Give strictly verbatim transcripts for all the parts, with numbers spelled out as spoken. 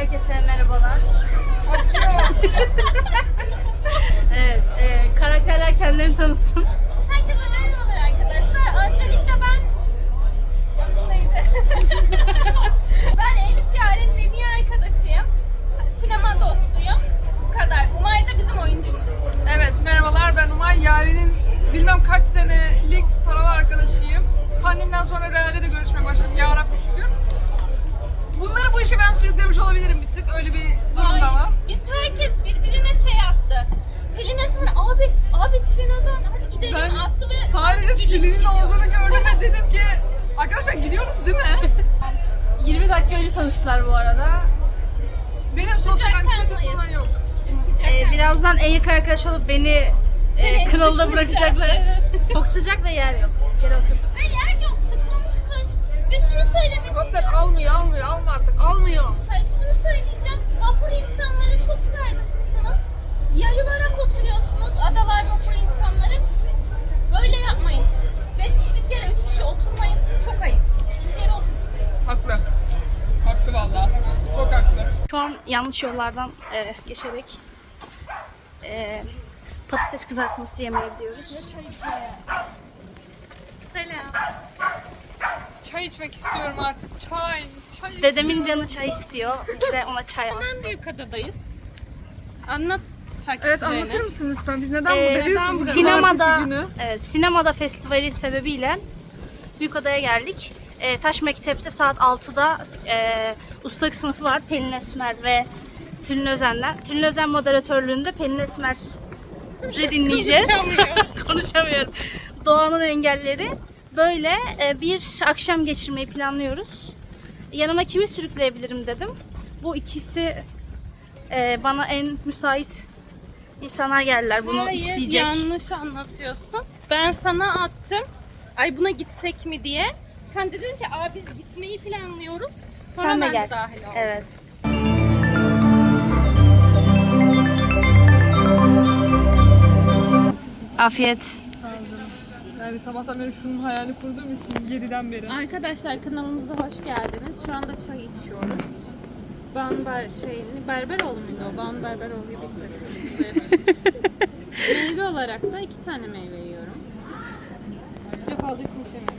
Herkese merhabalar. Evet, e, karakterler kendilerini tanıtsın. Herkese merhabalar arkadaşlar. Öncelikle ben... Adım neydi? Ben Elif Yaren'in en iyi arkadaşıyım. Sinema dostuyum. Bu kadar. Umay da bizim oyuncumuz. Evet, merhabalar, ben Umay. Yaren'in bilmem kaç senelik sanal arkadaşıyım. Pandemiden sonra realde de görüşmeye başladım. Ya Rabbi şükür. Bunları bu işe ben sürüklemiş olabilirim bir tık. Öyle bir durum da var. Biz herkes birbirine şey attı. Pelin Esmer abi, abi Tülin Özen hadi gidelim Ben attı ve... sadece Tülin'in olduğunu gördüm ve dedim ki arkadaşlar gidiyoruz değil mi? yirmi dakika önce tanıştılar bu arada. Benim sosyal anksiyetem kanlıyız. falan yok. Biz sıcak E, birazdan en yakın arkadaş olup beni e, kınalda bırakacaklar. Evet. Çok sıcak ve yer yok. Geri oturduk. Ve yer yok, tıklım tıkış. Ve şunu söylemek Helikopter istiyorum. almıyor, almıyor, alma artık, almıyor. Hayır, şunu söyleyeceğim. Vapur insanları çok saygısızsınız. Yayılarak oturuyorsunuz, adalar vapur insanları. Böyle yapmayın. Beş kişilik yere üç kişi oturmayın. Çok ayıp. Biz yere oturun. Haklı. Haklı vallahi. Çok haklı. Şu an yanlış yollardan e, geçerek e, patates kızartması yemeye gidiyoruz. Selam. Çay içmek istiyorum artık. Çay, çay Dedemin canı çay istiyor. Biz de ona çay aldık. Hemen Büyükada'dayız. Anlat Evet, takipçilerine. anlatır mısın lütfen? Biz neden Ee, buradayız? neden Cumartesi sinemada, günü. evet, sinemada festivali sebebiyle Büyükada'ya geldik. Ee, Taş Mektep'te saat altıda e, ustalık sınıfı var. Pelin Esmer ve Tülin Özen'den. Tülin Özen moderatörlüğünde Pelin Esmer'i dinleyeceğiz. Konuşamıyorum. Doğanın engelleri. Böyle e, bir akşam geçirmeyi planlıyoruz. Yanıma kimi sürükleyebilirim dedim. Bu ikisi e, bana en müsait insanlar geldiler bunu Hayır, isteyecek. yanlış anlatıyorsun. Ben sana attım. Ay buna gitsek mi diye. Sen dedin ki aa biz gitmeyi planlıyoruz. Sonra Sen de ben gel. dahil oldum. Evet. Afiyet. Yani sabahtan beri şunun hayalini kurduğum için yediden beri. Arkadaşlar kanalımıza hoş geldiniz. Şu anda çay içiyoruz. Banu Ber şey, Berberoğlu muydu o? Banu Berberoğlu gibi hissettim. Meyve olarak da iki tane meyve yiyorum. Sıcak olduğu için içemiyorum.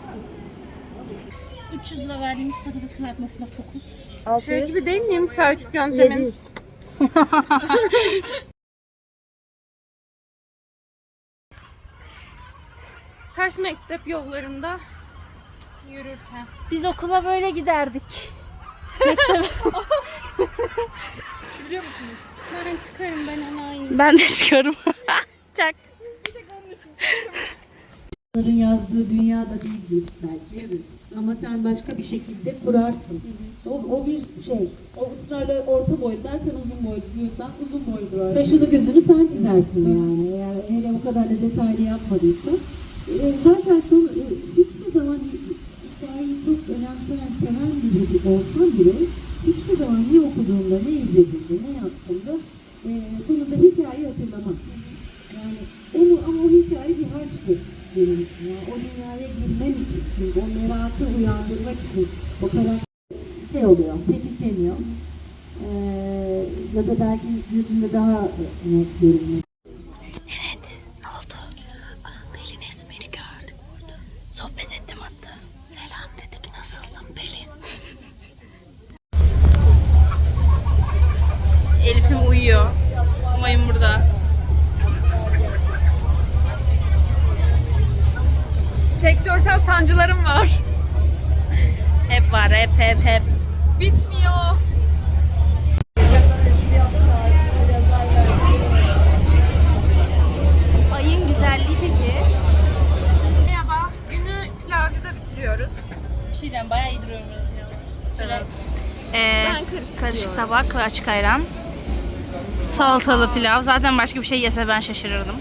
üç yüz lira verdiğimiz patates kızartmasına fokus. Şey gibi değil miyim? Selçuk yöntemin. Taş Mektep yollarında yürürken. Biz okula böyle giderdik. Biliyor musunuz? Ben çıkarım, ben enayiyim. Ben de çıkıyorum. Çak. Onların yazdığı dünyada değildir belki. Evet. Ama sen başka bir şekilde kurarsın. O, o bir şey. O ısrarla orta boylu dersen uzun boylu diyorsan uzun boyludur o. Kaşını gözünü sen çizersin yani. Eğer hele o kadar da detaylı yapmadıysan. E, zaten konu, e, hiçbir zaman hikayeyi çok önemseyen, seven biri olsan bile hiçbir zaman ne okuduğunda, ne izlediğinde, ne yaptığında e, sonunda hikayeyi hatırlamak. Yani onu, ama o hikaye bir harçtır benim için. Yani o dünyaya girmem için, çünkü o merakı uyandırmak için o karakter şey oluyor, tetikleniyor. Ee, ya da belki yüzünde daha net görünüyor. Evet. Ne oldu? Pelin Esmer'i gördüm burada. Sohbet ettim hatta. Selam dedik. Nasılsın Pelin? Elif'im uyuyor. Umay'ım burada. Sektörsel sancılarım var. Hep var. Hep hep hep. Bitmiyor. Ayın güzelliği peki? Merhaba. Günü pilavcıda bitiriyoruz. Bir şey diyeceğim. Bayağı iyi duruyorum. Evet. Ee, Ben karışık karışık diyorum. tabak ve açık ayran. Salatalı pilav. Zaten başka bir şey yese ben şaşırırdım.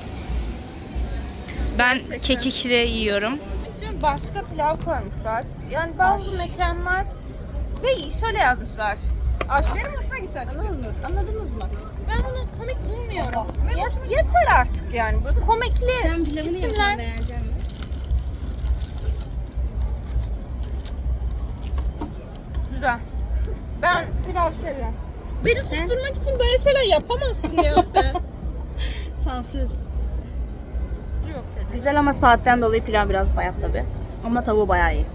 Ben kekikli yiyorum. Şimdi başka pilav koymuşlar. Yani bazı mekanlar ve şöyle yazmışlar. Benim hoşuma gitti açıkçası. Anladınız mı? Ben bunu komik bulmuyorum. Ye- yeter artık yani. Bu komikli Sen pilavını isimler. yapın, beğenecek misin? Güzel. Ben Pilav seviyorum. beni susturmak için böyle şeyler yapamazsın ya sen. Sansür. Güzel ama saatten dolayı pilav biraz bayat tabi. Ama tavuğu bayağı iyi.